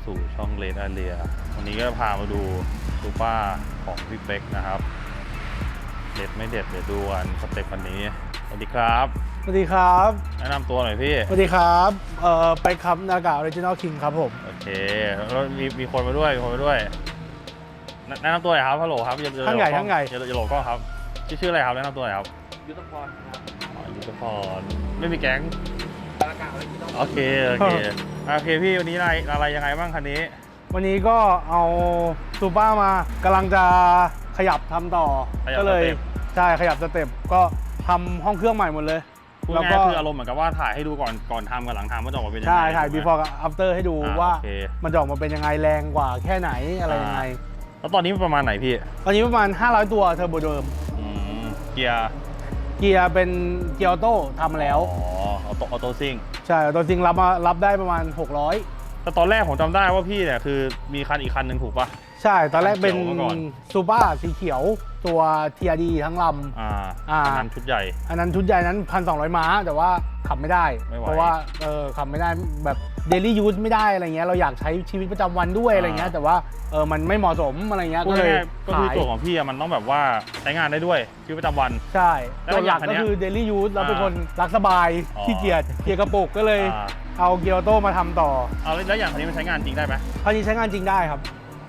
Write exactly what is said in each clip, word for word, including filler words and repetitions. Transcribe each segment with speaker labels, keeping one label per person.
Speaker 1: สู่ช่องเลนอาเรียวันนี้ก็พามาดูซูเปอร์ของพี่เป๊กนะครับเด็ดไม่เด็ดเดี๋ยวดูกันสเต็ปวันนี้สวัสดีครับ
Speaker 2: สวัสดีครับ
Speaker 1: แนะนำตัวหน่อยพี่
Speaker 2: สวัสดีครับเอ่อไปครับนากาออริจินอลคิงครับผม
Speaker 1: โอเคแล้วมีมีคนมาด้วยมีคนมาด้วยแนะนำตัวหน่อยครับฮัลโหลครับ
Speaker 2: ข้างใหญ่ข้างใหญ่
Speaker 1: อย่าอย่าโหลก็ครับชื่อชื่ออะไรครับแนะนำตัวหน่อยครับ
Speaker 3: ยุทธพรครับ
Speaker 1: อ๋อยุทธพรไม่มีแก๊งโอเคโอเคโอเคพี่วันนี้อะไรอะไรยังไงบ้างคันนี้
Speaker 2: วันนี้ก็เอาซูเปอร์มากำลังจะขยับทำต่อก็เลยใช่ขยับสเต็ปก็ทำห้องเครื่องใหม่หมดเลย
Speaker 1: แล้วก็คืออารมณ์เหมือนกับว่าถ่ายให้ดูก่อนก่อนทำกับหลังทำว่าจะออกมาเป็นยังไง
Speaker 2: ใช่ถ่าย before กับ after ให้ดูว่ามันจะออกมาเป็นยังไงแรงกว่าแค่ไหนอะไรยังไง
Speaker 1: แล้วตอนนี้ประมาณไหนพี่
Speaker 2: ตอนนี้ประมาณห้าร้อยตัวเทอร์โบเดิม
Speaker 1: เกียร์
Speaker 2: เกียร์เป็นเกียร์ออโต้ทำแล้ว
Speaker 1: อ๋อออโต้ออโต้ซิ่ง
Speaker 2: ใช่ออโต้ซิ่งรับมารับได้ประมาณหกร้อย
Speaker 1: แต่ตอนแรกผมจำได้ว่าพี่เนี่ยคือมีคันอีกคันหนึ่งถูกปะ
Speaker 2: ใช่ตอนแรกเป็นซูเปอร์สีเขียวตัว ที อาร์ ดี ทั้งลำ
Speaker 1: อ่าอ่าอันนั้นชุดใหญ่
Speaker 2: อันนั้นชุดใหญ่นั้น หนึ่งพันสองร้อย ม้าแต่ว่าขับไม่ได้เพราะว่าเออขับไม่ได้แบบเดลี่ยูสไม่ได้อะไรเงี้ยเราอยากใช้ชีวิตประจำวันด้วยอะไรเงี้ยแต่ว่าเออมันไม่เหมาะสมอะไรเงี้ย
Speaker 1: ก็เลยก็คือตัวของพี่มันต้องแบบว่าใช้งานได้ด้วยชีวิตประจำวัน
Speaker 2: ใช่ตัวหลักก็คือเดลี่ยูสเราเป็นคนรักสบายขี้เกียจเกียร์กระปุกก็เลยเอาเกียร์ออโต้มาทำต่อ
Speaker 1: เอาแล้วอย่างคันนี้มันใช้งานจริงได้ไหม
Speaker 2: คันนี้ใช้งานจริงได้ครับ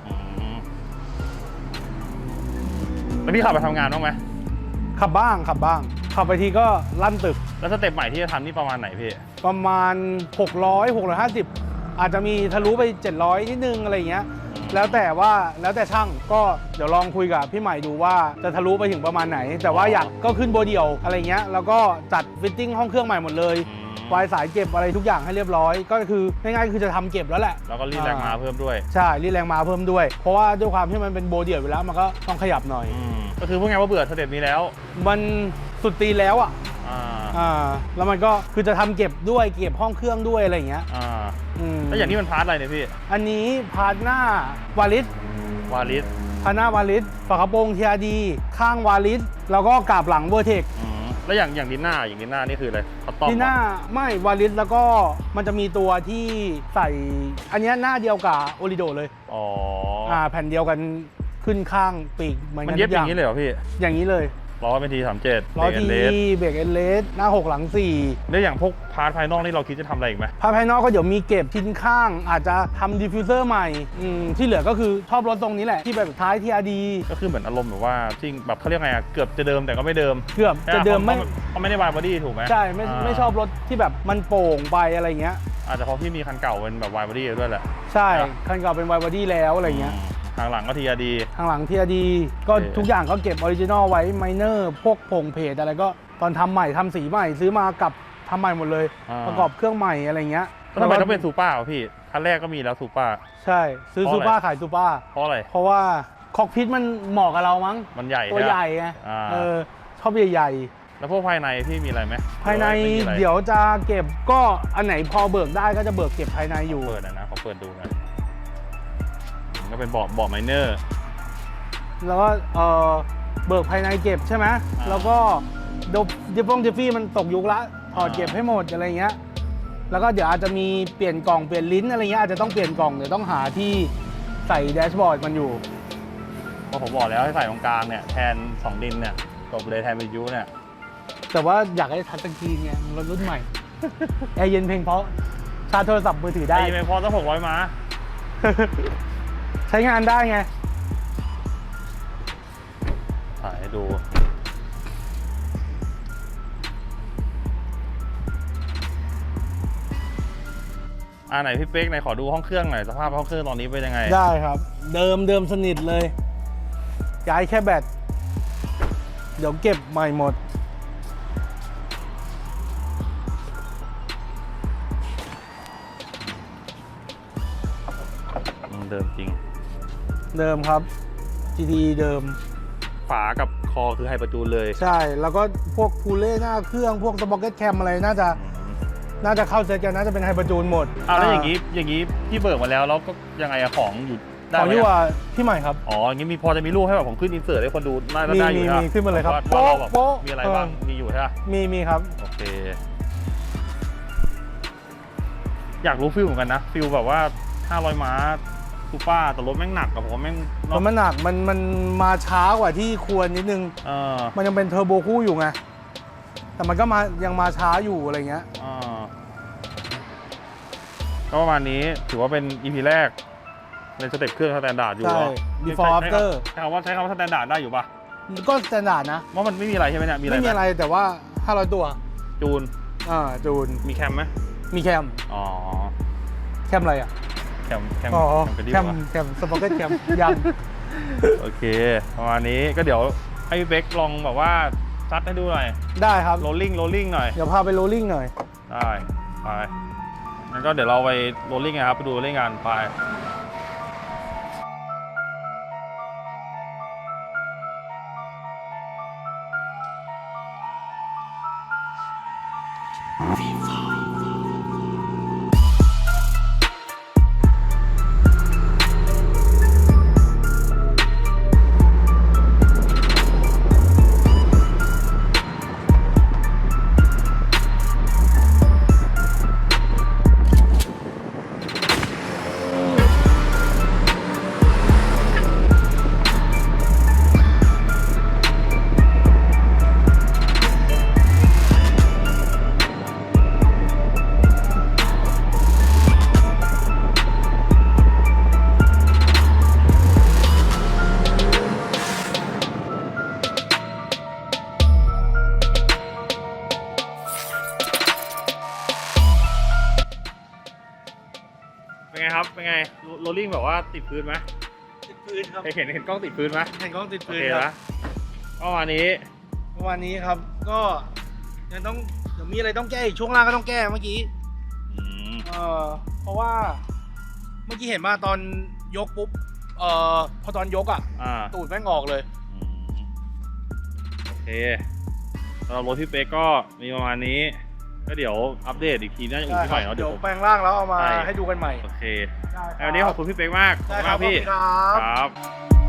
Speaker 1: แล้วพี่ขับไปทำงานบ้างไหม
Speaker 2: ขับบ้างขับบ้างขับไปทีก็ลั่นตึก
Speaker 1: แล้วสเต็ปใหม่ที่จะทำนี่ประมาณไหนพี่
Speaker 2: ประมาณหกร้อย หกร้อยห้าสิบอาจจะมีทะลุไปเจ็ดร้อยนิดนึงอะไรเงี้ยแล้วแต่ว่าแล้วแต่ช่างก็เดี๋ยวลองคุยกับพี่ใหม่ดูว่าจะทะลุไปถึงประมาณไหนแต่ว่าอยากก็ขึ้นโบเดี่ยวอะไรเงี้ยแล้วก็จัดฟิตติ้งห้องเครื่องใหม่หมดเลยวายสายเก็บอะไรทุกอย่างให้เรียบร้อยก็คือง่ายๆคือจะทำเก็บแล้วแหละ
Speaker 1: แล้วก็รีดแรงม้าเพิ่มด้วย
Speaker 2: ใช่รีดแรงม้าเพิ่มด้วยเพราะว่าด้วยความที่มันเป็นโบเดี่ยวอยู่แล้วมันก็ต้องขยับหน่อย
Speaker 1: ก็คือพูดง่ายว่าเบื่อสเต็ปนี้แล้ว
Speaker 2: มันสุดตีแล้วอ่ะอ่าแล้วมันก็คือจะทำเก็บด้วยเก็บห้องเครื่องด้วยอะไรอย่างเงี้ย
Speaker 1: อ่าแล้วอย่างนี้มันพาร์ทอะไรเนี่ยพี่
Speaker 2: อันนี้พาร์ทหน้าวาลิส
Speaker 1: วาลิส
Speaker 2: พาร์ทหน้าวาลิสฝากระโปรง ที อาร์ ดี ข้างวาลิสแล้วก็กาบหลังเวอร์เทค
Speaker 1: แล้วอย่างอย่างดินหน้าอย่างดินหน้านี่คืออะไร
Speaker 2: ดินหน้าไม่วาลิสแล้วก็มันจะมีตัวที่ใส่อันนี้หน้าเดียวกับโอริโดเลย
Speaker 1: อ๋อ
Speaker 2: อ่าแผ่นเดียวกันขึ้นข้างปีก
Speaker 1: มันเย็บอย่างนี้เลยเหรอพี่
Speaker 2: อย่างนี้เลย
Speaker 1: ล้อเป็นทีสามเจ็ด
Speaker 2: ล้อทีเบรกเอลเลสหน้าหกหลังสี่
Speaker 1: แล้วอย่างพวกพาร์ทภายนอกนี่เราคิดจะทำอะไรอีกไหม
Speaker 2: พาร์ทภายนอกก็เดี๋ยวมีเก็บชิ้นข้างอาจจะทำดิฟฟิวเซอร์ใหม่ที่เหลือก็คือชอบรถตรงนี้แหละที่แบบท้าย ที อาร์ ดี
Speaker 1: ก็คือเหมือนอารมณ์แบบว่าจริงแบบเขาเรียกไงเกือบจะเดิมแต่ก็ไม่เดิม
Speaker 2: เกือบจะเดิมไม่
Speaker 1: เขาไม่ได้วายบอดี้ถูกไหม
Speaker 2: ใช่ไม่ไม่ชอบรถที่แบบมันโป่งไปอะไรเงี้ย
Speaker 1: อาจจะเพราะพี่มีคันเก่าเป็นแบบวายบอดี้ด้วยแหละ
Speaker 2: ใช่คันเก่าเป็นวายบอดี้แล้วอะไรเงี้ย
Speaker 1: ทางหลังก็ ที อาร์ ดี
Speaker 2: ทางหลัง ที อาร์ ดี ก็ทุกอย่างก็เก็บออริจินอลไว้ไมเนอร์พวกผงเพจอะไรก็ตอนทำใหม่ทำสีใหม่ซื้อมากับทำใหม่หมดเลยประกอบเครื่องใหม่อะไรเงี้ย
Speaker 1: ทำไมต้องเป็นซูเปอร์พี่คันแรกก็มีแล้วซูเปอร์
Speaker 2: ใช่ซื้อซูเปอร์ขายซูเปอร์
Speaker 1: เพราะอะไร
Speaker 2: เพราะว่าคอกพิทมันเหมาะกับเรามั้ง
Speaker 1: มันใหญ่
Speaker 2: ตัวใหญ่ไงเออชอบใหญ่
Speaker 1: ๆแล้วพวกภายในพี่มีอะไรไหม
Speaker 2: ภายในเดี๋ยวจะเก็บก็อันไหนพอเบิกได้ก็จะเบิกเก็บภายในอยู่
Speaker 1: เปิดนะขอเปิดดูนะก็เป็นเบาะเบาะไมเนอร์
Speaker 2: แล้วก็เออเบิกภายในเก็บใช่ไหมแล้วก็ดิฟฟงดิฟฟี่มันตกยุคละถอดเก็บให้หมดอะไรเงี้ยแล้วก็เดี๋ยวอาจจะมีเปลี่ยนกล่องเปลี่ยนลิ้นอะไรเงี้ยอาจจะต้องเปลี่ยนกล่องเดี๋ยวต้องหาที่ใส่แดชบอร์ดมันอยู่
Speaker 1: เพราะผมบอกแล้วให้ใส่ตรงกลางเนี่ยแทนสองดินเนี่ยตบเลยแทนวิทยุเนี่ย
Speaker 2: แต่ว่าอยากให้ทัชสกรีนไงรถรุ่นใหม่แอร์เย็นเพลงเพราะชาร์จโทรศัพท์มือถือได้
Speaker 1: แอร์เย็นเพลงเพราะต้องหกร้อยม้า
Speaker 2: ใช้งานได้ไง
Speaker 1: ถ่ายให้ดูอ่าไหนพี่เป๊กไหนขอดูห้องเครื่องหน่อยสภาพห้องเครื่องตอนนี้เป็นยังไง
Speaker 2: ได้ครับเดิมเดิมสนิทเลยย้ายแค่แบตเดี๋ยวเก็บใหม่หมด
Speaker 1: เดิมจริง
Speaker 2: เดิมครับ จี ที เดิม
Speaker 1: ฝากับคอคือไฮเปอร์จูนเลย
Speaker 2: ใช่แล้วก็พวกพูเล่หน้าเครื่องพวกสป็อกเก็ตแคมอะไรน่าจะน่าจะเข้าเซตกันน่าจะเป็นไฮเปอร์จูนหมด
Speaker 1: อ่าแล้วอย่างนี้อย่างนี้พี่เบิกมาแล้วแล้วก็ยังไงอะของอยู่
Speaker 2: ได้ไหมของอยู่ว่าพี่ใหม่ครับ
Speaker 1: อ๋ออย่างนี้มีพอจะมีรูปให้แบบผมขึ้นอินเสิร์ตให้คนดูน่าจะได้อยู่
Speaker 2: นะมีขึ้นมาเลยครับ
Speaker 1: โป๊ะโป๊ะมีอะไรบ้างมีอยู่ใช่ไหม
Speaker 2: มีมีครับ
Speaker 1: โอเคอยากรู้ฟิลเหมือนกันนะฟิลแบบว่าห้าร้อยม้าซูเปอร์แต่รถแม่งหนักกับผมแม่ง
Speaker 2: เพราะมันหนักมันมันมาช้ากว่าที่ควรนิดนึง
Speaker 1: เออ
Speaker 2: มันยังเป็นเทอร์โบคู่อยู่ไงแต่มันก็มายังมาช้าอยู่อะไรเงี้ย
Speaker 1: อ่าก็ประมาณนี้ถือว่าเป็น อี พี แรกในสเต็ปเครื่องสแตนดาร์ดอยู่
Speaker 2: ใช่
Speaker 1: เหรอ
Speaker 2: before
Speaker 1: ใช้
Speaker 2: after
Speaker 1: ใช้คำว่าใช้คำว่าสแตนดาร์ดได้อยู่ปะ
Speaker 2: ก็สแตนดาร์ดนะ
Speaker 1: ว่ามันไม่มีอะไรใช่ไหมเนี่ยมีอะไร
Speaker 2: ไม่มี
Speaker 1: ห
Speaker 2: อะไรแต่ว่าห้าร้อยตัว
Speaker 1: จูน
Speaker 2: อ่าจูน
Speaker 1: มีแคมไหม
Speaker 2: มีแคม
Speaker 1: อ๋อ
Speaker 2: แคมอะไรอ่ะ
Speaker 1: แคมแคม
Speaker 2: อ๋อ
Speaker 1: แคมกระดิ่
Speaker 2: แค
Speaker 1: ง
Speaker 2: ม
Speaker 1: วะ
Speaker 2: แคมสปอร์เก็ตแคมยัง
Speaker 1: โอเคประมาณนี้ก็เดี๋ยวให้พี่เบ๊กลองแบบว่าซัดให้ดูหน่อย
Speaker 2: ได้ครับ
Speaker 1: โรลลิ่งโรลลิ่งหน่อย
Speaker 2: เดี๋ยวพาไปโรลลิ่งหน่อย
Speaker 1: ได้ไปงั้นก็เดี๋ยวเราไปโรลลิ่งกันครับไปดูโรลลิ่งกันไปเป็นไงครับเป็นไงโรลลิ่งแบบว่าติดพื้นไหม
Speaker 2: ติดพื้นครับ
Speaker 1: เห็นเห็นกล้องติดพื้นไหม
Speaker 2: เห็นกล้องติด
Speaker 1: โอ
Speaker 2: พื้น
Speaker 1: เค
Speaker 2: ครั
Speaker 1: นะ
Speaker 2: บ
Speaker 1: ก็วันนี้
Speaker 2: ประมาณนี้ครับก็ยังต้องเดี๋ยวมีอะไรต้องแก้อีกช่วงล่างก็ต้องแก้เมื่อกี้
Speaker 1: อืม
Speaker 2: เอ่อเพราะว่าเมื่อกี้เห็นมาตอนยกปุ๊บเอ่อพอตอนยกอ่ะ
Speaker 1: อ่า
Speaker 2: ตูดแม่งออกเลย
Speaker 1: อืมโอเคสำหรับรถพี่เป๊กก็มีประมาณนี้ก็เดี๋ยวอัปเดตอีกทีน่าจะอุ่นที่ใหม่เนาะ
Speaker 2: เดี๋
Speaker 1: เดี๋
Speaker 2: ย
Speaker 1: ยว วผม
Speaker 2: แปลงร่างแล้วเอามา
Speaker 1: ใช่
Speaker 2: ให้ดูกันใหม่
Speaker 1: โอเค
Speaker 2: ได้
Speaker 1: วันนี้ขอบคุณพี่เป๊กมากขอบ
Speaker 2: ได้
Speaker 1: คุณ
Speaker 2: ครั
Speaker 1: มา
Speaker 2: บ
Speaker 1: กพี่
Speaker 2: ขอบคุณครับ
Speaker 1: ครับ